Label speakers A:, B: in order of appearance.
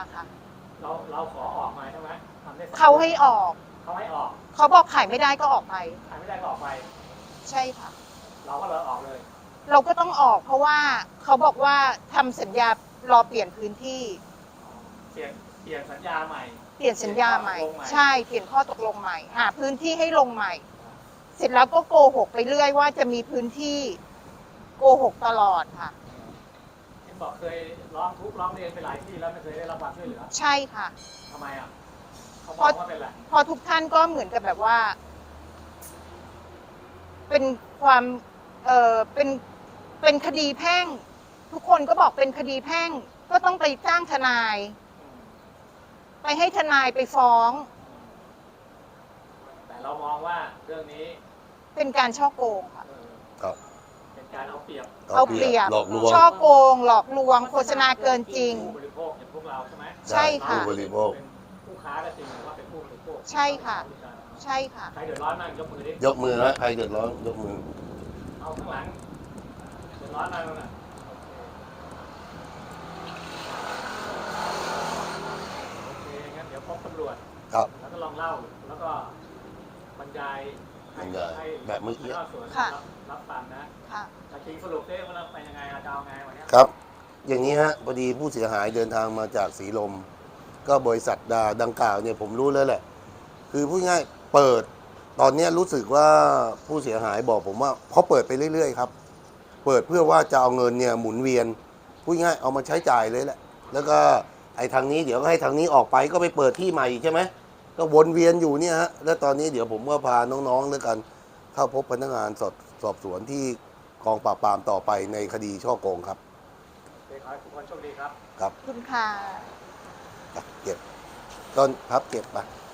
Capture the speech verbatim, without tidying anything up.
A: ค่ะ
B: เราเราขอออกมาใช่ไหมทำได้
A: เขาให้ออก
B: เขาให้ออก
A: เขาบอกขายไม่ได้ก็ออกไป
B: ขายไม่ได้ก็ออกไป
A: ใช่ค่ะ
B: เราก็เลยออกเลย
A: เราก็ต้องออกเพราะว่าเขาบอกว่าทำสัญญารอเปลี่ยนพื้นที่
B: เปลี่ยนเปลี่ยนสัญญาใหม่
A: เปลี่ยนสัญญาใหม่ใช่เปลี่ยนข้อตกลงใหม่หาพื้นที่ให้ลงใหม่เสร็จแล้วก็โกหกไปเรื่อยว่าจะมีพื้นที่โกหกตลอดค่ะ
B: เห็นบอกเคยร้องทุกข์ร้องเรียนไปหลายที่แล้วไม่เคยได้รับความช่วยเหลือ
A: ใช่ค่ะ
B: ทำไมอ่ะเขาบอกว่าเป็นอะไร
A: พอทุกท่านก็เหมือนกับแบบว่าเป็นความเออเป็นเป็นคดีแพ่งทุกคนก็บอกเป็นคดีแพ่งก็ต้องไปจ้างทนายไปให้ทนายไปฟ้อง
B: แต่เรามองว่าเรื่องนี้
A: เป็นการช่อโกงค่ะ
C: ครับ
B: เป็นการเอาเปรียบ
A: เอาเปรียบ
C: หลอกลวง
A: ช่อโกงหลอกลวงโฆษณาเกินจริง
B: ผู้บริโภคอย่างพวกเราใช่ไหม
A: ใช่ค่ะ
C: ผู้บริโภค
B: เป็นผู้ค้าก็จริงหรือว่าเป็นผู้บริโภค
A: ใช่ค่ะใช่ค่ะ
B: ใครเดือดร้อนมากยกมือดิ
C: ยกมือนะใครเดือดร้อนยกมือ
B: เอาข้างหลังเดือดร้อนมากแล้วนะโอเคงั้นเดี๋ยวพบตำรวจ
C: ครับ
B: แล้วก็ลองเล่าแล้วก็บรรยาย
C: บรรยายแบบเมื่อกี้
A: ค่ะ
B: รับฟังนะ
A: ค่ะ
B: จริงสรุปได้ว่าเราไปยังไงเราจะเอาไงวันนี้
C: ครับอย่างนี้ฮะพอดีผู้เสียหายเดินทางมาจากสีลมก็บริษัทดาดังกล่าวเนี่ยผมรู้แล้วแหละคือพูดง่ายเปิดตอนนี้รู้สึกว่าผู้เสียหายบอกผมว่าเขาเปิดไปเรื่อยๆครับเปิดเพื่อว่าจะเอาเงินเนี่ยหมุนเวียนพูดง่ายเอามาใช้จ่ายเลยแหละแล้วก็ไอ้ทางนี้เดี๋ยวก็ให้ทางนี้ออกไปก็ไปเปิดที่ใหม่ใช่ไหมก็วนเวียนอยู่เนี่ยฮะแล้วตอนนี้เดี๋ยวผมก็พาน้องๆด้วยกันเข้าพบพนักงานสอบสอบสวนที่กองปราบปรามต่อไปในคดีช่อโกงครับ
B: ขอให้ทุกคนโชคดีครับ
C: ครับ
A: คุณค่ะ
C: เก็บต้นพับเก็บไป